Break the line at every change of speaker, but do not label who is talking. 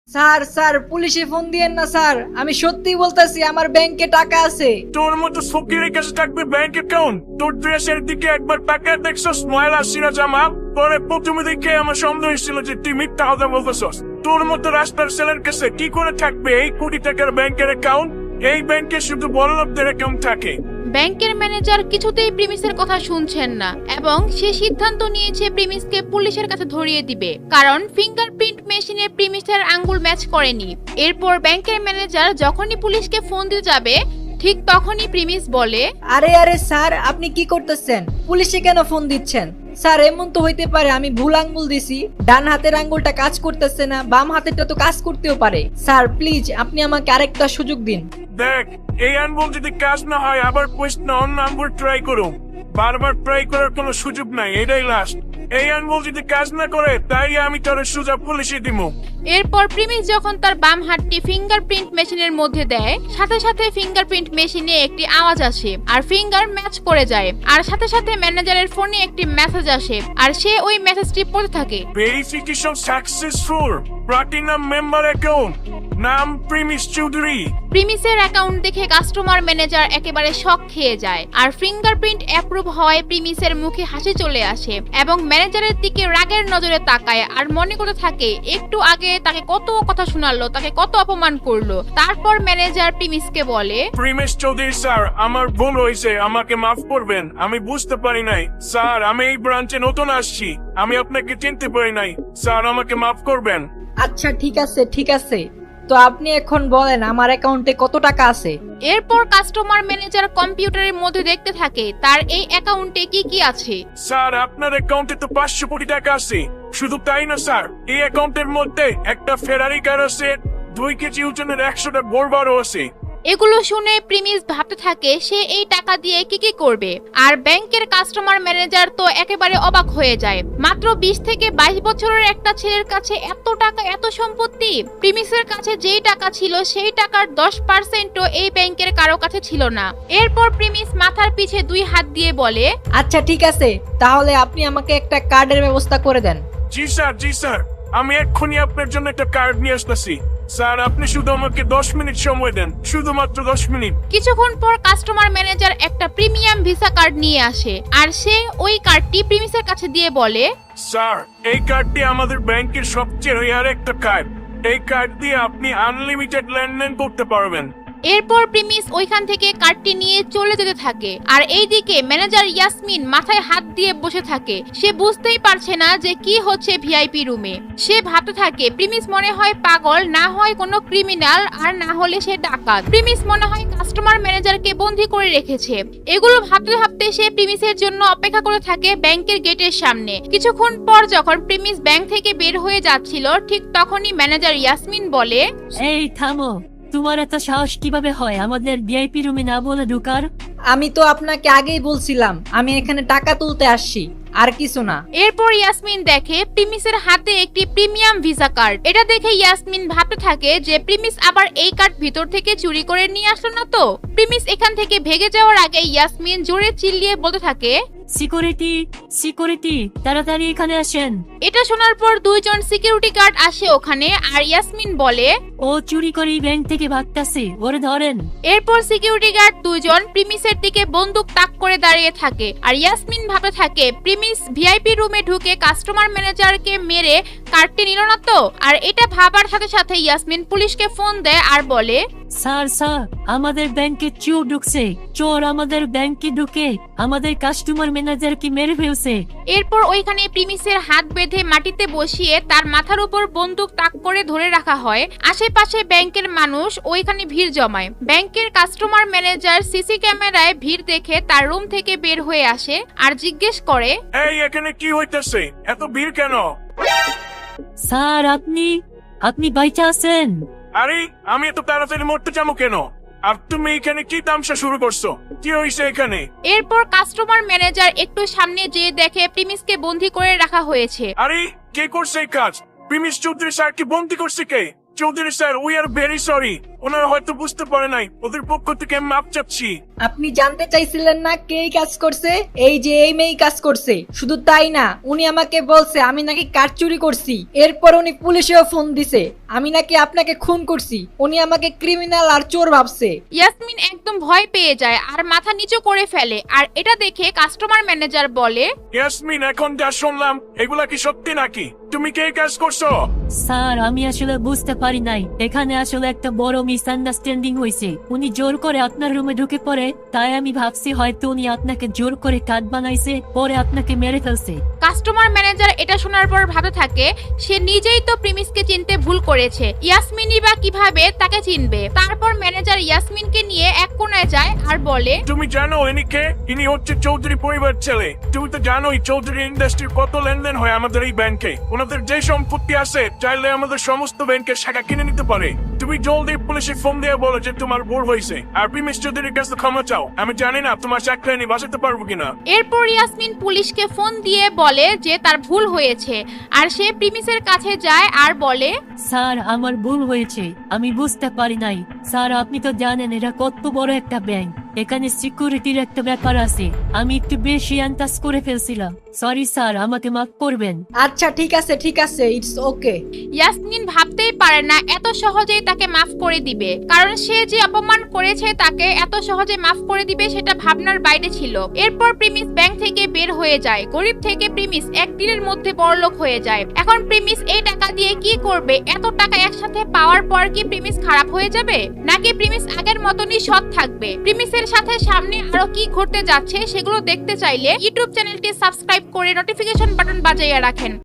Sir sir পুলিশে phone দিয়েন না স্যার, আমি সত্যি বলতেছি আমার ব্যাংকে টাকা আছে।
তোর মতো ফকিরের কাছে থাকবে ব্যাংক অ্যাকাউন্ট? তোর ড্রেসের দিকে একবার তাকায় দেখছস ময়লা সিরা জামা পরে প্রথমে দেখে আমার সন্দেহ হয়েছিল যে তুই মিথ্যা কথা বলতেছস। তোর মতো রাস্তার ছেলের কাছে কি করে থাকবে এই কোটি টাকার ব্যাংকের অ্যাকাউন্ট? এই ব্যাংকে শুধু বড়লোকদের অ্যাকাউন্ট থাকে।
ব্যাংকের ম্যানেজার কিছুতেই প্রিমিসের কথা শুনছেন না এবং সে সিদ্ধান্ত নিয়েছে প্রিমিসকে পুলিশের কাছে ধরিয়ে দিবে, কারণ ফিঙ্গারপ্রিন্ট মেশিনে প্রিমিসের আঙ্গুল ম্যাচ করেনি। এরপর ব্যাংকের ম্যানেজার যখনই পুলিশকে ফোন দিতে যাবে ঠিক তখনই প্রিমিস বলে,
আরে আরে স্যার আপনি কি করতেছেন? পুলিশে কেন ফোন দিচ্ছেন? স্যার এমন তো হইতে পারে আমি ভুল আঙ্গুল দিছি, ডান হাতের আঙ্গুলটা কাজ করতেছে না, বাম হাতেরটা তো কাজ করতেও পারে। স্যার প্লিজ আপনি আমাকে আরেকটা সুযোগ দিন।
দেখ, এই আঙ্গুল যদি কাজ না হয় আবার কোয়েশ্চন অন্য আঙ্গুল ট্রাই করো। বারবার ট্রাই করার কোনো সুযোগ নাই, এটাই লাস্ট। এই আঙ্গুল যদি কাজ না করে তাই আমি তোর সোজা পুলিশে দিব।
এরপর প্রিমিস যখন তার বাম হাতটি ফিঙ্গারপ্রিন্ট মেশিনের মধ্যে দেয় সাথে সাথে ফিঙ্গারপ্রিন্ট মেশিনে একটি আওয়াজ আসে আর ফিঙ্গার ম্যাচ করে যায়, আর সাথে সাথে ম্যানেজারের ফোনে একটি মেসেজ আসে আর সে ওই মেসেজটি পড়তে থাকে।
Verification successful, platinum member account, নাম প্রিমিস চৌধুরী।
প্রিমিসের অ্যাকাউন্ট দেখে কাস্টমার ম্যানেজার একেবারে শক খেয়ে যায় আর ফিঙ্গারপ্রিন্ট অ্যাপ্রুভ হওয়ায় প্রিমিসের মুখে হাসি চলে আসে এবং ম্যানেজারের দিকে রাগের নজরে তাকায় আর মনে করতে থাকে একটু আগে তাকে কত কথা শোনালো, তাকে কত অপমান করলো। তারপর ম্যানেজার প্রিমিসকে বলে,
প্রিমিস চৌধুরী স্যার, আমার ভুল হয়েছে, আমাকে মাফ করবেন, আমি বুঝতে পারি নাই। স্যার আমি এই ব্রাঞ্চে নতুন আসছি, আমি আপনাকে চিনতে পারি নাই, স্যার আমাকে মাফ করবেন।
আচ্ছা ঠিক আছে ঠিক আছে, তো আপনি এখন বলেন আমার অ্যাকাউন্টে কত টাকা আছে?
এরপর কাস্টমার ম্যানেজার কম্পিউটারের মধ্যে দেখতে থাকে তার এই অ্যাকাউন্টে কি কি আছে।
স্যার আপনার অ্যাকাউন্টে তো 500 কোটি টাকা আছে। শুধু তাই না স্যার, এই অ্যাকাউন্টের মধ্যে একটা ফেরারি কার আছে, 2 কেজি ওজনের 100টা বোরবারও আছে।
এগুলো শুনে প্রিমিস ভাবতে থাকে সে এই টাকা দিয়ে কি কি করবে, আর ব্যাংকের কাস্টমার ম্যানেজার তো একেবারে অবাক হয়ে যায়। মাত্র 20 থেকে 22 বছরের একটা ছেলের কাছে এত টাকা, এত সম্পত্তি। প্রিমিসের কাছে যেই টাকা ছিল সেই টাকার 10%ও এই ব্যাংকের কারো কাছে ছিল না। এরপর প্রিমিস মাথার পিছে 2 হাত দিয়ে বলে,
আচ্ছা ঠিক আছে, তাহলে আপনি আমাকে একটা কার্ডের ব্যবস্থা করে দেন।
জি স্যার, জি স্যার, আমি এক্ষুনি আপনার জন্য একটা কার্ড নিয়ে আসতেছি। স্যার আপনি শুধু আমাকে 10 মিনিট সময় দেন, শুধুমাত্র 10 মিনিট।
কিছুক্ষণ পর কাস্টমার ম্যানেজার একটা প্রিমিয়াম ভিসা কার্ড নিয়ে আসে আর সে ওই কার্ডটি প্রিমিসের কাছে দিয়ে বলে,
স্যার এই কার্ডটি আমাদের ব্যাংকের সবচেয়ে রেয়ার একটা কার্ড। এই কার্ড দিয়ে আপনি আনলিমিটেড লেনদেন করতে পারবেন।
এরপর প্রিমিস ওইখান থেকে কার্ডটি নিয়ে চলে যেতে থাকে আর এইদিকে ম্যানেজার ইয়াসমিন মাথায় হাত দিয়ে বসে থাকে। সে বুঝতেই পারছে না যে কি হচ্ছে ভিআইপি রুমে। সে ভাবতে থাকে প্রিমিস মনে হয় পাগল, না হয় কোনো ক্রিমিনাল, আর না হলে সে ডাকাত। প্রিমিস মনে হয় কাস্টমার ম্যানেজারকে বন্দী করে রেখেছে। এগুলো ভাবতে ভাবতে সে প্রিমিসের জন্য অপেক্ষা করে থাকে ব্যাংকের গেটের সামনে। কিছুক্ষণ পর যখন প্রিমিস ব্যাংক থেকে বের হয়ে যাচ্ছিল ঠিক তখনই ম্যানেজার ইয়াসমিন বলে,
এই থামো, তোমার এত সাহস কিভাবে হয় আমাদের ভিআইপি রুমে না বলে ঢোকার?
আমি তো আপনাকে আগেই বলছিলাম আমি এখানে টাকা তুলতে আসছি, আর কিছু না।
এরপর ইয়াসমিন দেখে প্রিমিসের হাতে একটি প্রিমিয়াম ভিসা কার্ড। এটা দেখে ইয়াসমিন ভাবতে থাকে যে প্রিমিস আবার এই কার্ড ভিতর থেকে চুরি করে নিয়ে আসলো না তো। প্রিমিস এখান থেকে ভেগে যাওয়ার আগে ইয়াসমিন জোরে চিল্লিয়ে বলতে থাকে,
সিকিউরিটি, সিকিউরিটি, তাড়াতাড়ি এখানে আসেন।
এটা শোনার পর 2 জন সিকিউরিটি গার্ড আসে ওখানে আর ইয়াসমিন বলে,
ও চুরি করে ব্যাংক থেকে ভাগতাছে, ওরে ধরেন।
এরপর সিকিউরিটি গার্ড 2 জন প্রিমিসের দিকে বন্দুক তাক করে দাঁড়িয়ে থাকে আর ইয়াসমিন ভাবতে থাকে প্রিমিস ভিআইপি রুমে ঢুকে কাস্টমার ম্যানেজারকে মেরে কার্ডটি নিল না তো। আর এটা ভাবার সাথে সাথে ইয়াসমিন পুলিশকে ফোন দেয় আর বলে,
স্যার স্যার, আমাদের ব্যাংকে চোর ঢুকছে, চোর আমাদের ব্যাংকে ঢুকে আমাদের কাস্টমার ম্যানেজারকে মেরে ফেলছে।
এরপর ওইখানে প্রিমিসের হাত বেঁধে মাটিতে বসিয়ে তার মাথার উপর বন্দুক তাক করে ধরে রাখা হয়। আশেপাশে ব্যাংকের মানুষ ওইখানে ভিড় জমায়। ব্যাংকের কাস্টমার ম্যানেজার সিসি ক্যামেরায় ভিড় দেখে তার রুম থেকে বের হয়ে আসে আর জিজ্ঞেস করে,
এই এখানে কি হইতেছে, এত ভিড় কেন?
স্যার আপনি বাইচা আছেন?
আরে আমি এত তাড়াতাড়ি মরতে যাবো কেন? আর তুমি এখানে কি তামসা শুরু করছো? কি হয়েছে এখানে?
এরপর কাস্টমার ম্যানেজার একটু সামনে যেয়ে দেখে প্রিমিসকে বন্দী করে রাখা হয়েছে।
আরে কে করছে এই কাজ? প্রিমিস চৌধুরী স্যার কি বন্দি করছে কে? Chowdhury sir, we are very sorry. ওনারা হয়তো বুঝতে পারে নাই, ওদের পক্ষ থেকে আমি মাপ চাচ্ছি।
আপনি জানতে চাইছিলেন না কে এই কাজ করছে? এই যে এই মেয়ে কাজ করছে। শুধু তাই না, উনি আমাকে বলছে আমি নাকি কার চুরি করছি। এরপর উনি পুলিশেও ফোন দিছে আমি নাকি আপনাকে খুন করছি। উনি আমাকে ক্রিমিনাল আর চোর ভাবছে।
ইয়াসমিন একদম ভয় পেয়ে যায় আর মাথা নিচু করে ফেলে। আর এটা দেখে কাস্টমার ম্যানেজার বলে,
ইয়াসমিন, এখন যা শুনলাম এগুলা কি সত্যি নাকি? তুমি কে কাজ করছো?
স্যার আমি আসলে বুঝতে পারি নাই, এখানে আসলে একটা বড় মিসআন্ডারস্ট্যান্ডিং হয়েছে। উনি জোর করে আপনার রুমে ঢুকে পড়ে, তাই আমি ভাবছি হয়তো উনি আপনাকে জোর করে কাট বানাইছে, পরে আপনাকে মেরে ফেলছে।
কাস্টমার ম্যানেজার এটা শোনার পর ভাবতে থাকে সে নিজেই তো প্রিমিসকে চিনতে ভুল করেছে, ইয়াসমিনই বা কিভাবে তাকে চিনবে। তারপর ম্যানেজার ইয়াসমিনকে নিয়ে এক কোণায় যায় আর বলে,
তুমি জানো ইনি কে? ইনি হচ্ছে চৌধুরী পরিবার ছেলে। তুমি তো জানোই চৌধুরী ইন্ডাস্ট্রির কত লেনদেন হয় আমাদের এই ব্যাংকে। ওনাদের যে সম্পত্তি আছে চাইলে আমাদের সমস্ত ব্যাংকের শাখা কিনে নিতে পারে। তুমি জলদি পুলিশে ফোন দিয়ে বলো যে তোমার ভুল হয়েছে আর প্রিমিস চৌধুরীর কাছে ক্ষমা চাও। আমি জানি না তোমার চাকরি আমি বাঁচাতে পারবো কিনা।
এরপর ইয়াসমিন পুলিশকে ফোন দিয়ে বলে যে তার ভুল হয়েছে আর সে প্রিমিসের কাছে যায় আর বলে,
স্যার আমার ভুল হয়েছে, আমি বুঝতে পারি নাই। স্যার আপনি তো জানেন এটা কত বড় একটা ব্যাংক, এখানে সিকিউরিটির একটা ব্যাপার আছে। আমি একটু বেশি আন্দাজ করে ফেলছিলাম। সরি স্যার, আমাকে মাফ করবেন।
আচ্ছা ঠিক আছে, ইটস ওকে।
ইয়াসমিন ভাবতেই পারে না এত সহজেই তাকে মাফ করে দিবে, কারণ সে যে অপমান করেছে তাকে এত সহজে মাফ করে দিবে সেটা ভাবনার বাইরে ছিল। এরপর প্রিমিস ব্যাংক থেকে বের হয়ে যায়। গরিব থেকে প্রিমিস একদিনের মধ্যে বড়লোক হয়ে যায়। এখন প্রিমিস এই টাকা দিয়ে কি করবে? এত টাকা একসাথে পাওয়ার পর কি প্রিমিস খারাপ হয়ে যাবে, নাকি প্রিমিস আগের মতনই সৎ থাকবে? প্রিমিসের সাথে সামনে আরো কি ঘটতে যাচ্ছে সেগুলো দেখতে চাইলে ইউটিউব চ্যানেলটি সাবস্ক্রাইব করে নোটিফিকেশন বাটন বাজাইয়া রাখেন।